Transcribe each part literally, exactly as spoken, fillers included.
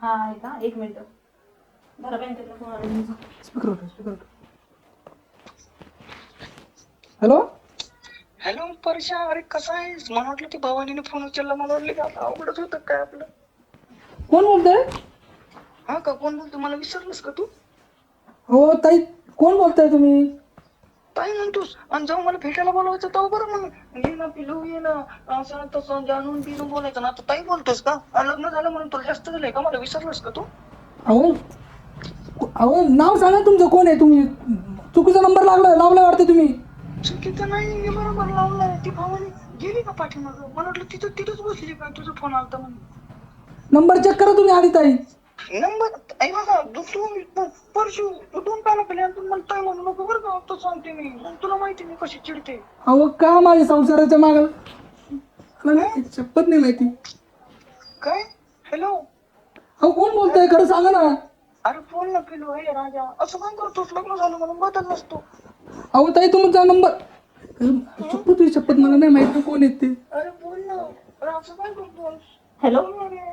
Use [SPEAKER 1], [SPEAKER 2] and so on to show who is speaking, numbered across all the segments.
[SPEAKER 1] हा आहे का? एक मिनिट. मला बँकेतला फोन आला तुमचा.
[SPEAKER 2] Speaker speaker hello
[SPEAKER 3] hello Parsha, अरे कसा आहेस? मला वाटलं ती भवानीने फोन उचलला, मला वाटलं की आता अवघडच होतं काय आपलं.
[SPEAKER 2] कोण बोलतोय?
[SPEAKER 3] हा का, कोण बोलतो? मला विसरलंस का तू?
[SPEAKER 2] हो ताई, कोण बोलताय तुम्ही?
[SPEAKER 3] काय म्हणतोस? आणि जाऊ मला भेटायला बोलवायचं तेव्हा बरं मग ये ना पिलू, ये ना असं तसं जाणून बिनून बोलायचं ना. आता ताई बोलतोस का? आणि लग्न झालं म्हणून तुला जास्त झालंय का? मला विसरलंस का तू?
[SPEAKER 2] अहो अहो नाव सांगा तुमचं, कोण आहे तुम्ही? चुकीचा नंबर लागला लावला वाटतं तुम्ही.
[SPEAKER 3] चुकीचं नाही, मी बरोबर लावलाय. ती भवानी गेली का पाठीमागं? मला वाटलं तिथं तिथंच बसली काय, तुझा फोन आलता म्हणून.
[SPEAKER 2] नंबर चेक करा तुम्ही आधी ताई.
[SPEAKER 3] नंबर आई बघा, तू परशू तू दोन पानं केले आणि तू मला ताई म्हणू नको बरं का. आता सांगते मी, तुला माहिती मी कशी चिडते.
[SPEAKER 2] अहो का माझ्या संसाराच्या माग शपथ नाही माहिती.
[SPEAKER 3] काय? हॅलो,
[SPEAKER 2] अहो कोण बोलतोय खरं सांगा ना.
[SPEAKER 3] अरे बोल ना पिलू. हे राजा, असं काय करतोस? लग्न झालं म्हणून बदल नसतो.
[SPEAKER 2] अहो ताई तुमचा नंबर शपथ तुझी शपथ मला नाही माहिती कोण येते.
[SPEAKER 3] अरे बोल ना. अरे असं काय करतोस?
[SPEAKER 1] हॅलो,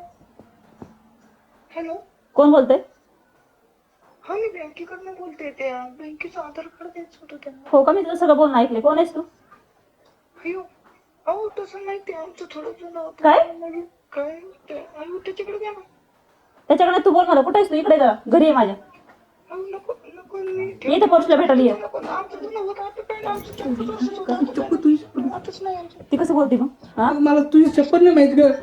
[SPEAKER 3] हॅलो,
[SPEAKER 1] कोण बोलतोय?
[SPEAKER 3] हा मी बँकेकडनं बोलते. त्या बँकेचं आधार कार्ड द्यायचं होतं त्यांना.
[SPEAKER 1] हो का, मी तुझं सगळं बोलणं ऐकले. कोण आहेस तू?
[SPEAKER 3] अयो, अहो तसं नाही, ते आमचं थोडं जुनं होतं.
[SPEAKER 1] काय?
[SPEAKER 3] म्हणजे काय ते अयो त्याच्याकडे द्या ना.
[SPEAKER 1] त्याच्याकडे तू बोल मला. कुठे आहेस तू? इकडे जा, घरी आहे माझ्या.
[SPEAKER 3] अहो नको नको, मी
[SPEAKER 1] ये त्या पोस्टला भेटायला ये.
[SPEAKER 3] नको. आमचं जुनं होतं, आता काय आमचं चक्कच असंच होतं.
[SPEAKER 2] शपथ तुझी शपथ.
[SPEAKER 3] आताच नाही आमचं.
[SPEAKER 1] ती कसं बोलते मग? हा,
[SPEAKER 2] मला तुझी शपथ नाही माहिती ग.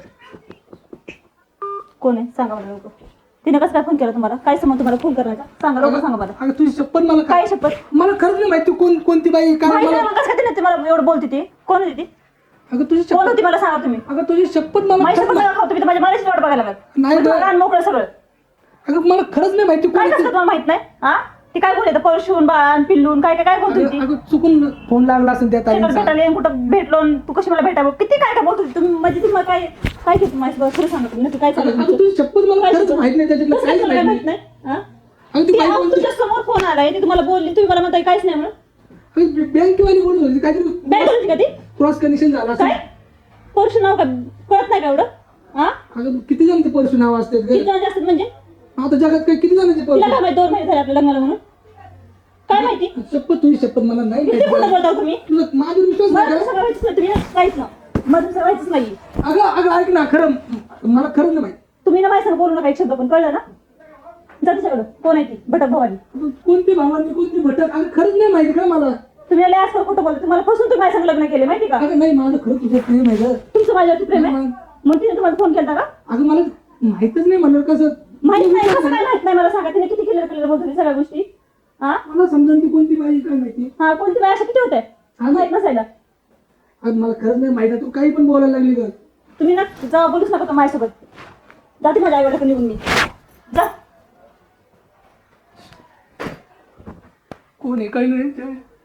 [SPEAKER 1] कोण आहे सांगा मला लवकर. तिने कसं काय फोन केला तुम्हाला? काय समज तुम्हाला फोन करायचा? सांगा लवकर, सांगा मला.
[SPEAKER 2] अगं तुझी शपथ मला
[SPEAKER 1] काय शपथ?
[SPEAKER 2] मला खरंच नाही माहिती कोण कोणती बाई काय
[SPEAKER 1] माहिती
[SPEAKER 2] मला.
[SPEAKER 1] नाही मग कसं काय तिने तुम्हाला एवढं बोलते ती? कोण होती ती?
[SPEAKER 2] अगं तुझी
[SPEAKER 1] कोण
[SPEAKER 2] शपथ
[SPEAKER 1] होती मला सांगा तुम्ही.
[SPEAKER 2] अगं तुझी शपथ मला
[SPEAKER 1] माझी
[SPEAKER 2] खरंच
[SPEAKER 1] शपथ
[SPEAKER 2] मा-
[SPEAKER 1] नका खाऊ तुम्ही तर माझ्या मारायची वाट बघायला लागत.
[SPEAKER 2] नाही ग.
[SPEAKER 1] लहान मोकळं सगळं.
[SPEAKER 2] अगं मला खरंच नाही माहिती कोण
[SPEAKER 1] काय
[SPEAKER 2] आहे
[SPEAKER 1] कसं
[SPEAKER 2] ती.
[SPEAKER 1] तुम्हाला माहित नाही? हा, ती काय बोलते? परशून बाळान पिल्लून काय काय काय बोलत होती?
[SPEAKER 2] अगं अगं चुकून फोन लागला असेल त्या
[SPEAKER 1] शेतात
[SPEAKER 2] ताईंचा.
[SPEAKER 1] भेटायला येऊन कुठं भेटलो आणि तू कशी मला भेटावं? किती काय काय बोलत होती तुम्ही? म्हणजे तुम्ही मला काय काय केलं माझी खरं सांगा तुम्ही नक्की काय चालू आहे
[SPEAKER 2] अगं
[SPEAKER 1] तुमचं?
[SPEAKER 2] तुझी शपथ मला
[SPEAKER 1] काय
[SPEAKER 2] खरंच
[SPEAKER 1] शपथ?
[SPEAKER 2] माहित नाही त्याच्यातलं
[SPEAKER 1] कसं
[SPEAKER 2] काहीच
[SPEAKER 1] काय तुम्हाला
[SPEAKER 2] माहित
[SPEAKER 1] माहित
[SPEAKER 2] नाही.
[SPEAKER 1] नाही? हा?
[SPEAKER 2] अगं ती
[SPEAKER 1] ती
[SPEAKER 2] बाई
[SPEAKER 1] आज
[SPEAKER 2] कोणती?
[SPEAKER 1] तुमच्या समोर फोन आलाय, ती तुम्हाला बोलली, तुम्ही मला म्हणताय काहीच नाही म्हणून.
[SPEAKER 2] बँकेवाली बोलत होती काहीतरी
[SPEAKER 1] बँक होती का ती?
[SPEAKER 2] क्रॉस कनेक्शन झालं असेल.
[SPEAKER 1] काय परशू नाव का कळत नाही का एवढं? हा,
[SPEAKER 2] अगं किती जणांचे परशू नाव असतात
[SPEAKER 1] किती
[SPEAKER 2] ग?
[SPEAKER 1] जण जास्त म्हणजे?
[SPEAKER 2] आता जगात काय किती जणांचे
[SPEAKER 1] तिला
[SPEAKER 2] परशू?
[SPEAKER 1] काय माहिती दोन महिने झाले आपल्या लग्नाला म्हणून? काय माहिती?
[SPEAKER 2] शपथ तुझी शपथ मला नाही
[SPEAKER 1] किती
[SPEAKER 2] माहिती.
[SPEAKER 1] खोटं बोलता हो तुम्ही?
[SPEAKER 2] तुझा माझ्यावर विश्वास
[SPEAKER 1] मला
[SPEAKER 2] नाही
[SPEAKER 1] तसं
[SPEAKER 2] का?
[SPEAKER 1] करायचंच नाही, तुम्ही ना काहीच ना मला तसं करायचंच नाही.
[SPEAKER 2] अगं अगं ऐक ना, खरं मला खरंच नाही माहिती.
[SPEAKER 1] तुम्ही ना माझ्या बोलू नका एक शब्द पण, कळलं ना? जा तिच्याकडं. कोण आहे ती? भटक भवानी.
[SPEAKER 2] अगं, कोणती भावांनी कोणती भटक? अगं खरंच नाही माहिती का मला.
[SPEAKER 1] तुम्ही लय आजकाल खोटं बोलता. तुम्हाला फसून तुम्ही माझ्या संग लग्न केले माहिती का?
[SPEAKER 2] अगं नाही, माझं खरंच तुझं प्रेम आहे ग.
[SPEAKER 1] तुमचं माझ्यावरती प्रेम आहे
[SPEAKER 2] मग
[SPEAKER 1] म्हणून तिने तुम्हाला फोन केला का?
[SPEAKER 2] अगं मला माहितच नाही म्हणलं कसं.
[SPEAKER 1] माहित नाही कसं काय माहित नाही मला सांगा. तिने किती क्लिअर क्लिअर बोलत होती सगळ्या गोष्टी. हा
[SPEAKER 2] मला समजून ती कोणती बाई काय माहिती.
[SPEAKER 1] हा, कोणती बाय अशा किती होत्या माहित नसायला.
[SPEAKER 2] अगं मला खरंच नाही माहिती. तू काही पण बोलायला लागली ग.
[SPEAKER 1] तुम्ही ना जा, बोलूच नका माझ्यासोबत. जाते माझ्या आईवडिलाकडे निघून मी. जा.
[SPEAKER 2] कोण आहे काही नाही.